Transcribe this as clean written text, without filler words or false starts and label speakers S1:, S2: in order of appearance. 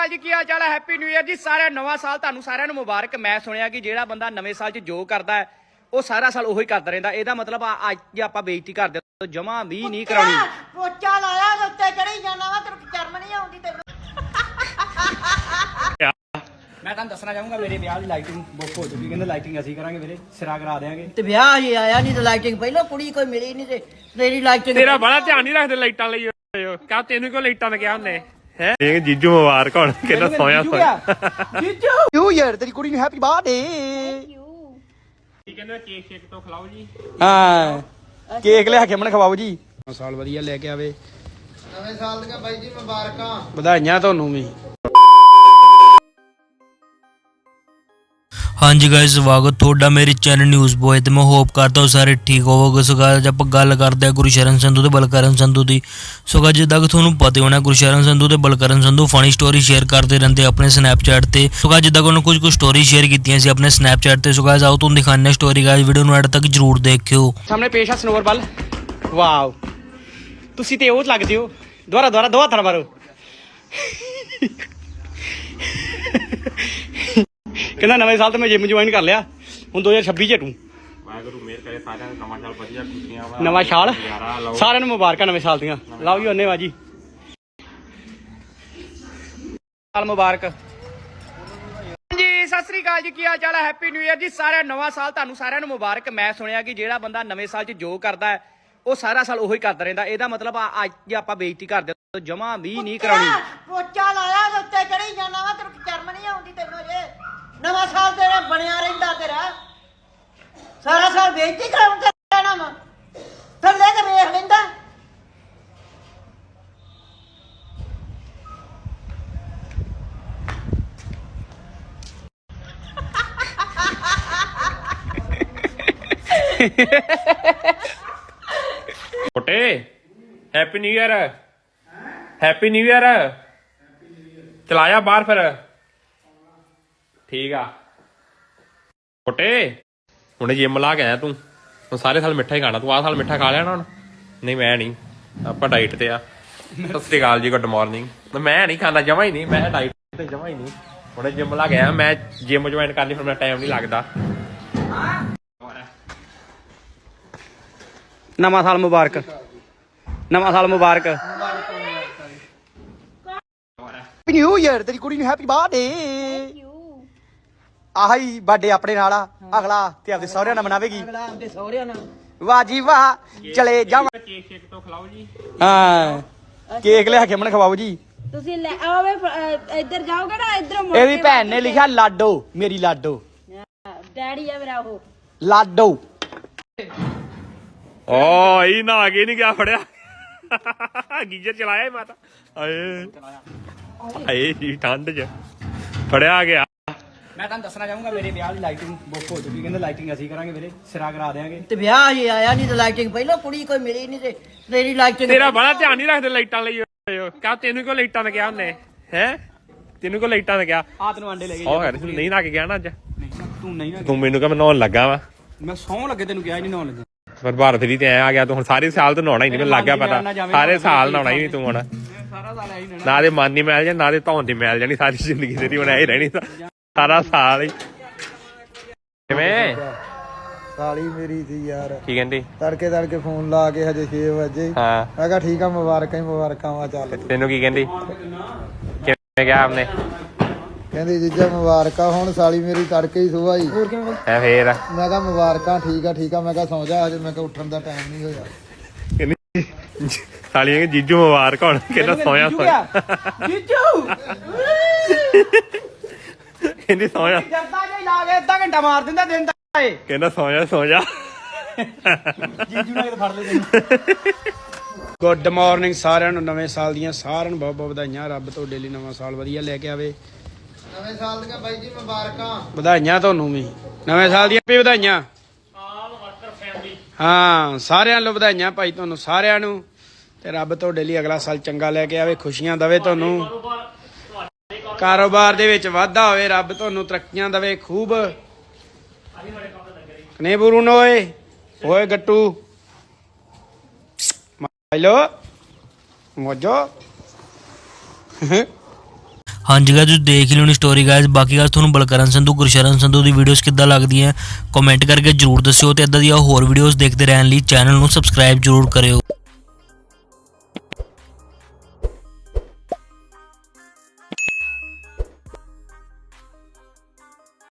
S1: जी की हाल चाल है। Happy new year ji. सारे नवा साल तुहानू सारिਆਂ ਨੂੰ मुबारक। मैं सुनिया कि ਜਿਹੜਾ ਬੰਦਾ ਨਵੇਂ ਸਾਲ 'ਚ ਜੋ ਕਰਦਾ ਹੈ ਉਹ ਸਾਰਾ ਸਾਲ ਉਹੀ ਕਰਦਾ ਰਹਿੰਦਾ। ਇਹਦਾ ਮਤਲਬ ਅੱਜ ਜੇ ਆਪਾਂ ਬੇਇੱਜ਼ਤੀ ਕਰਦੇ ਤਾਂ ਜਮਾ ਵੀ ਨਹੀਂ ਕਰਾਉਣੀ।
S2: ਪੋਚਾ ਲਾਇਆ ਤੇ ਉੱਤੇ ਚੜੀ ਜਾਣਾ ਵਾ, ਤੈਨੂੰ ਸ਼ਰਮ ਨਹੀਂ ਆਉਂਦੀ ਤੈਨੂੰ?
S1: ਮੈਂ ਤੁਹਾਨੂੰ ਦੱਸਣਾ ਚਾਹੂੰਗਾ ਮੇਰੇ ਵਿਆਹ ਦੀ ਲਾਈਟਿੰਗ ਬੁੱਕ ਹੋ ਚੁੱਕੀ। ਕਹਿੰਦੇ ਲਾਈਟਿੰਗ ਅਸੀਂ ਕਰਾਂਗੇ ਵੀਰੇ, ਸਿਰਾ ਕਰਾ ਦੇਾਂਗੇ।
S2: ਤੇ ਵਿਆਹ ਹੀ ਆਇਆ ਨਹੀਂ ਤੇ ਲਾਈਟਿੰਗ ਪਹਿਲਾਂ ਕੁੜੀ ਕੋਈ ਮਿਲੀ ਨਹੀਂ ਤੇ ਤੇਰੀ ਲਾਈਟਿੰਗ
S3: ਤੇਰਾ ਬੜਾ ਧਿਆਨ ਨਹੀਂ ਰੱਖਦੇ ਲਾਈਟਾਂ ਲਈ। ਕਾ ਤੈਨੂੰ ਕਿਉਂ ਲਾਈਟਾਂ ਦਾ ਕਿਹਾ ਉਹਨੇ ਹੈ? ਜੀਜੂ ਮੁਬਾਰਕ ਹੋਣ ਕਿੰਨਾ ਸੋਹਣਾ
S1: ਜੀਜੂ ਨਿਊ ਈਅਰ ਤੇਰੀ ਕੁੜੀ ਨੂੰ ਹੈਪੀ ਬਰਥਡੇ।
S3: ਕੀ ਕਹਿੰਦੇ ਕੇਕ ਸ਼ੇਕ ਤੋਂ ਖਿਲਾਓ ਜੀ।
S1: ਹਾਂ ਕੇਕ ਲਿਆ ਕੇ ਮਨ ਖਵਾਓ ਜੀ। ਸਾਲ ਵਧੀਆ ਲੈ ਕੇ ਆਵੇ।
S4: ਨਵੇਂ ਸਾਲ ਦੀਆਂ ਬਾਈ ਜੀ ਮੁਬਾਰਕਾਂ।
S1: ਵਧਾਈਆਂ ਤੁਹਾਨੂੰ ਵੀ।
S5: हाँ जी गाइस, स्वागत ਤੁਹਾਡਾ ਮੇਰੇ ਚੈਨਲ ਨਿਊਜ਼ ਬੋਏ ਤੇ ਮੈਂ ਹੋਪ ਕਰਦਾ ਹਾਂ ਸਾਰੇ ਠੀਕ ਹੋਵੋਗੇ। ਸੋ ਗਾਇਸ ਆਪਾਂ ਗੱਲ ਕਰਦੇ ਹਾਂ ਗੁਰਸ਼ਰਨ ਸੰਧੂ ਤੇ ਬਲਕਰਨ ਸੰਧੂ ਦੀ। ਸੋ ਗਾਇਸ ਜਿੱਦਾਂ ਕਿ ਤੁਹਾਨੂੰ ਪਤਾ ਹੋਣਾ ਗੁਰਸ਼ਰਨ ਸੰਧੂ ਤੇ Balkaran Sandhu funny story share ਕਰਦੇ ਰਹਿੰਦੇ ਆਪਣੇ ਸਨੈਪਚੈਟ ਤੇ। ਸੋ ਗਾਇਸ ਜਿੱਦਾਂ ਕਿ ਉਹਨਾਂ ਕੁਝ ਸਟੋਰੀ ਸ਼ੇਅਰ ਕੀਤੀਆਂ ਸੀ ਆਪਣੇ ਸਨੈਪਚੈਟ ਤੇ। ਸੋ ਗਾਇਸ ਆਓ ਤੁਹਾਨੂੰ ਦਿਖਾਉਂਦੇ ਹਾਂ ਸਟੋਰੀ। ਗਾਇਸ ਵੀਡੀਓ ਨੂੰ ਐਡ ਤੱਕ ਜਰੂਰ ਦੇਖਿਓ।
S1: ਸਾਹਮਣੇ ਪੇਸ਼ ਆ ਸਨੋਰਬਲ। ਵਾਓ ਤੁਸੀਂ ਤੇ ਉਹ ਲੱਗਦੇ ਹੋ। ਦੁਬਾਰਾ ਦੋ ਹੱਥ ਨਾਲ ਮਾਰੋ। ਕਹਿੰਦਾ ਨਵੇਂ ਸਾਲ ਤੇ ਮੈਂ ਜਿਮ ਜੁਆਇਨ ਕਰ ਲਿਆ, ਹੁਣ 2026 ਚ ਹਟੂ।
S3: ਵਾਹਿਗੁਰੂ ਮਿਹਰ ਕਰੇ ਸਾਰਿਆਂ ਨੂੰ ਨਵਾਂ ਸਾਲ ਵਧੀਆ ਖੁਸ਼ੀਆਂ ਵਾ।
S1: ਨਵਾਂ ਸਾਲ ਸਾਰਿਆਂ ਨੂੰ ਮੁਬਾਰਕਾਂ ਨਵੇਂ ਸਾਲ ਦੀਆਂ। ਲਓ ਜੀ ਉਹਨੇ ਬਾਜੀ ਸਾਲ ਮੁਬਾਰਕ ਜੀ। ਸਤਿ ਸ੍ਰੀ ਅਕਾਲ ਜੀ, ਕੀ ਹਾਲ ਚਾਲ ਹੈ। ਹੈਪੀ ਨਿਊ ਈਅਰ ਜੀ। ਸਾਰੇ ਨਵਾਂ ਸਾਲ ਤੁਹਾਨੂੰ ਸਾਰਿਆਂ ਨੂੰ ਮੁਬਾਰਕ। ਮੈਂ ਸੁਣਿਆ ਕਿ ਜਿਹੜਾ ਬੰਦਾ ਨਵੇਂ ਸਾਲ 'ਚ ਜੋ ਕਰਦਾ ਹੈ ਉਹ ਸਾਰਾ ਸਾਲ ਉਹੀ ਕਰਦਾ ਰਹਿੰਦਾ। ਇਹਦਾ ਮਤਲਬ ਅੱਜ ਜੇ ਆਪਾਂ ਬੇਇੱਜ਼ਤੀ ਕਰਦੇ ਤਾਂ ਜਮਾ ਵੀ ਨਹੀਂ ਕਰਾਉਣੀ।
S2: ਪੋਚਾ ਲਾਇਆ ਤੇ ਉੱਤੇ ਚੜੀ ਜਾਣਾ ਵਾ, ਤੈਨੂੰ ਸ਼ਰਮ ਨਹੀਂ ਆਉਂਦੀ ਤੈਨੂੰ? ਜੇ ਨਵਾਂ ਸਾਲ ਤੇਰਾ ਬਣਿਆ ਰਹਿੰਦਾ, ਤੇਰਾ ਸਾਰਾ ਸਾਲ ਬੇਇੱਜ਼ਤੀ ਕਰਾਉਂ ਤੇ ਰਹਿਣਾ ਵਾ। ਥੱਲੇ ਤੇ ਵੇਖ ਲੈਂਦਾ।
S3: ਛੋਟੇ happy new year. Happy new year. ਚਲਾਇਆ ਬਾਹਰ ਫਿਰ। ਠੀਕ ਆ ਛੋਟੇ, ਹੁਣੇ ਜਿਮ ਲਾ ਕੇ ਆਇਆ ਤੂੰ। ਹੁਣ ਸਾਰੇ ਸਾਲ ਮਿੱਠਾ ਹੀ ਖਾਣਾ ਤੂੰ। ਆਹ ਸਾਲ ਮਿੱਠਾ ਖਾ ਲਿਆ ਨਾ ਹੁਣ? ਨਹੀਂ ਮੈਂ ਨਹੀਂ, ਆਪਾਂ ਡਾਈਟ ਤੇ ਆ। ਸਤਿ ਸ੍ਰੀ ਅਕਾਲ ਜੀ, ਗੁੱਡ ਮਾਰਨਿੰਗ। ਮੈਂ ਨਹੀਂ ਖਾਂਦਾ ਜਮਾ ਹੀ ਨਹੀਂ, ਮੈਂ ਡਾਈਟ ਤੇ ਜਮਾ ਹੀ ਨਹੀਂ। ਹੁਣੇ ਜਿਮ ਲਾ ਕੇ ਆਇਆ। ਮੈਂ ਜਿਮ ਜੁਆਇਨ ਕਰਨੀ, ਫਿਰ ਮੇਰਾ ਟਾਈਮ ਨਹੀਂ ਲੱਗਦਾ।
S1: ਨਵਾਂ ਸਾਲ ਮੁਬਾਰਕ। ਨਵਾਂ ਸਾਲ ਮੁਬਾਰਕ। ਹੈਪੀ ਨਿਊ ਈਅਰ ਤੇਰੀ ਕੁੜੀ ਨੂੰ ਹੈਪੀ ਬਰਥਡੇ। ਆਹੀ ਬਰਥਡੇ ਆਪਣੇ ਨਾਲ ਆ। ਅਗਲਾ ਤੇ ਆਪਦੇ ਸਹੁਰਿਆਂ ਨਾਲ ਮਨਾਵੇਗੀ।
S2: ਅਗਲਾ ਆਪਦੇ ਸਹੁਰਿਆਂ ਨਾਲ।
S1: ਵਾਹ ਜੀ ਵਾਹ। ਚਲੇ ਜਾਵਾਂ।
S3: ਕੇਕ ਸ਼ੇਕ ਤੋਂ ਖਿਲਾਓ ਜੀ।
S1: ਹਾਂ ਕੇਕ ਲਿਆ ਕੇ ਮਨ ਖਵਾਓ ਜੀ।
S6: ਤੁਸੀਂ ਲੈ ਆਵੇ ਇੱਧਰ ਜਾਓਗੇ ਨਾ, ਇੱਧਰੋਂ ਮੁੜ
S1: ਇਹਦੀ
S6: ਕੇ
S1: ਭੈਣ ਨੇ ਲਿਖਿਆ ਲਾਡੋ, ਮੇਰੀ ਲਾਡੋ।
S6: ਡੈਡੀ ਆ ਮੇਰਾ ਉਹ।
S1: ਲਾਡੋ
S3: ਓ ਇਹ ਨਾ ਆਗੇ ਨਹੀਂ ਗਿਆ ਫੜਿਆ। ਗੀਜ਼ਰ ਚਲਾਇਆ ਮਾਤਾ। ਆਏ ਆਏ ਜੀ ਠੰਡ ਚ ਫੜਿਆ ਗਿਆ।
S1: ਮੈਂ ਤੁਹਾਨੂੰ ਦੱਸਣਾ ਚਾਹੂੰਗਾ ਮੇਰੇ ਵਿਆਹ ਦੀ ਲਾਈਟਿੰਗ ਬੁੱਕ ਹੋ ਚੁੱਕੀ। ਕਹਿੰਦੇ ਲਾਈਟਿੰਗ ਅਸੀਂ ਕਰਾਂਗੇ ਵੀਰੇ, ਸਿਰਾ ਕਰਾ ਦੇਾਂਗੇ।
S2: ਤੇ ਵਿਆਹ ਹੀ ਆਇਆ ਨਹੀਂ ਤੇ ਲਾਈਟਿੰਗ ਪਹਿਲਾਂ ਕੁੜੀ ਕੋਈ ਮਿਲੀ ਨਹੀਂ ਤੇ ਤੇਰੀ ਲਾਈਟਿੰਗ
S3: ਤੇਰਾ ਬੜਾ ਧਿਆਨ ਨਹੀਂ ਰੱਖਦੇ ਲਾਈਟਾਂ ਲਈ। ਕਾ ਤੈਨੂੰ ਕਿਉਂ ਲਾਈਟਾਂ ਦਾ ਕਿਹਾ ਉਹਨੇ ਹੈ? ਤੈਨੂੰ ਕਿਉਂ ਲਾਈਟਾਂ ਦਾ ਕਿਹਾ?
S1: ਆ ਤੈਨੂੰ ਆਂਡੇ ਲੈ ਗਏ।
S3: ਉਹ ਨਹੀਂ ਨਾ ਕੇ ਗਿਆ ਨਾ ਅੱਜ।
S1: ਤੂੰ ਨਹੀਂ ਨਾ,
S3: ਤੂੰ ਮੈਨੂੰ ਕਹ ਮੈਂ ਨਹਾਉਣ ਲੱਗਾ ਵਾ।
S1: ਮੈਂ ਸੌਂ ਲੱਗੇ ਤੈਨੂੰ ਕਿਹਾ ਹੀ ਨਹੀਂ ਨਹਾਉਣ ਲੱਗੇ।
S3: ਪਰ ਭਾਰਤ ਵੀ ਤੇ ਐ ਆ ਗਿਆ ਤੂੰ। ਹੁਣ ਸਾਰੇ ਸਾਲ ਤੋਂ ਨਹਾਉਣਾ ਹੀ ਨਹੀਂ, ਮੈਨੂੰ ਲੱਗ ਗਿਆ ਪਤਾ। ਸਾਰੇ ਸਾਲ ਨਹਾਉਣਾ ਹੀ ਨਹੀਂ ਤੂੰ। ਹੁਣ
S1: ਸਾਰਾ ਸਾਲ ਆਈ
S3: ਨਾ ਦੇ ਮਨ ਦੀ ਮੈਲ ਜਾਣੀ, ਨਾ ਦੇ ਧੌਣ ਦੀ ਮੈਲ ਜਾਣੀ। ਸਾਰੀ ਜ਼ਿੰਦਗੀ ਤੇਰੀ ਹੁਣ ਐ ਹੀ ਰਹਿਣੀ ਸਾਰਾ ਸਾਲ ਹੀ। ਕਿਵੇਂ
S4: ਸਾਲੀ ਮੇਰੀ ਸੀ ਯਾਰ।
S3: ਕੀ ਕਹਿੰਦੀ?
S4: ਤੜਕੇ ਫੋਨ ਲਾ ਕੇ ਹਜੇ 6 ਵਜੇ।
S3: ਹਾਂ
S4: ਮੈਂ ਕਿਹਾ ਠੀਕ ਆ, ਮੁਬਾਰਕਾਂ ਹੀ ਮੁਬਾਰਕਾਂ ਵਾ। ਚੱਲ
S3: ਤੈਨੂੰ ਕੀ ਕਹਿੰਦੀ? ਕਿਵੇਂ ਕਿਹਾ ਆਪਨੇ?
S4: ਕਹਿੰਦੀ ਜੀਜਾ ਮੁਬਾਰਕਾਂ। ਹੁਣ ਸਾਲੀ ਮੇਰੀ ਤੜਕੇ ਹੀ ਸੁਬਾਹ ਹੀ।
S3: ਐ ਫੇਰ
S4: ਮੈਂ ਕਿਹਾ ਮੁਬਾਰਕਾਂ। ਠੀਕ ਆ। ਮੈਂ ਕਿਹਾ ਸੌਂ ਜਾ ਹਜੇ। ਮੈਂ ਕਿਹਾ ਉੱਠਣ ਦਾ ਟਾਈਮ ਨਹੀਂ ਹੋਇਆ।
S3: ਕਹਿੰਦੀ ਸਾਲੀਆਂ ਜੀਜੂ ਮੁਬਾਰਕ ਹੋਣ ਕਿੰਨਾ ਸੋਹਣਾ
S1: ਜੀਜੂ
S3: ਕਹਿੰਦੀ ਸੋਹਣਾ।
S1: ਜਰਦਾ ਜੇ ਲਾ ਕੇ ਅੱਧਾ ਘੰਟਾ ਮਾਰ ਦਿੰਦਾ ਦਿਨ ਦਾ ਏ।
S3: ਕਹਿੰਦਾ ਸੌ ਜਾ।
S1: ਜੀਜੂ ਨਾਲ ਫੜ ਲੈ ਤੈਨੂੰ। ਗੁੱਡ ਮਾਰਨਿੰਗ ਸਾਰਿਆਂ ਨੂੰ। ਨਵੇਂ ਸਾਲ ਦੀਆਂ ਸਾਰਿਆਂ ਨੂੰ ਬਹੁਤ ਬਹੁਤ ਵਧਾਈਆਂ। ਰੱਬ ਤੁਹਾਡੇ ਲਈ ਨਵਾਂ ਸਾਲ ਵਧੀਆ ਲੈ ਕੇ ਆਵੇ।
S4: ਨਵੇਂ ਸਾਲ ਦੀਆਂ ਬਾਈ ਜੀ ਮੁਬਾਰਕਾਂ।
S1: ਵਧਾਈਆਂ ਤੁਹਾਨੂੰ ਵੀ ਨਵੇਂ ਸਾਲ ਦੀਆਂ ਵੀ ਵਧਾਈਆਂ। ਹਾਂ ਸਾਰਿਆਂ ਨੂੰ ਵਧਾਈਆਂ ਭਾਈ, ਤੁਹਾਨੂੰ ਸਾਰਿਆਂ ਨੂੰ। ਤੇ ਰੱਬ ਤੁਹਾਡੇ ਲਈ ਅਗਲਾ ਸਾਲ ਚੰਗਾ ਲੈ ਕੇ ਆਵੇ, ਖੁਸ਼ੀਆਂ ਦੇਵੇ ਤੁਹਾਨੂੰ, ਕਾਰੋਬਾਰ ਦੇ ਵਿੱਚ ਵਾਧਾ ਹੋਵੇ, ਰੱਬ ਤੁਹਾਨੂੰ ਤਰੱਕੀਆਂ ਦੇਵੇ ਖੂਬ। ਕਨੇ ਬੁਰੂ ਓਏ ਗੱਟੂ ਹੈਲੋ ਮੋਜੋ।
S5: ਹਾਂਜੀ ਗਾਇਸ ਤੁਸੀਂ ਦੇਖ ਹੀ ਲਿਓਣੀ ਸਟੋਰੀ ਗਾਇਸ। ਬਾਕੀ ਗਾਇਸ ਤੁਹਾਨੂੰ ਬਲਕਰਨ ਸੰਧੂ ਗੁਰਸ਼ਰਨ ਸੰਧੂ ਦੀ ਵੀਡੀਓਜ਼ ਕਿੱਦਾਂ ਲੱਗਦੀਆਂ ਕਮੈਂਟ ਕਰਕੇ ਜਰੂਰ ਦੱਸਿਓ ਤੇ ਇਦਾਂ ਦੀਆਂ ਹੋਰ ਵੀਡੀਓਜ਼ ਦੇਖਦੇ ਰਹਿਣ ਲਈ ਚੈਨਲ ਨੂੰ ਸਬਸਕ੍ਰਾਈਬ ਜਰੂਰ ਕਰਿਓ।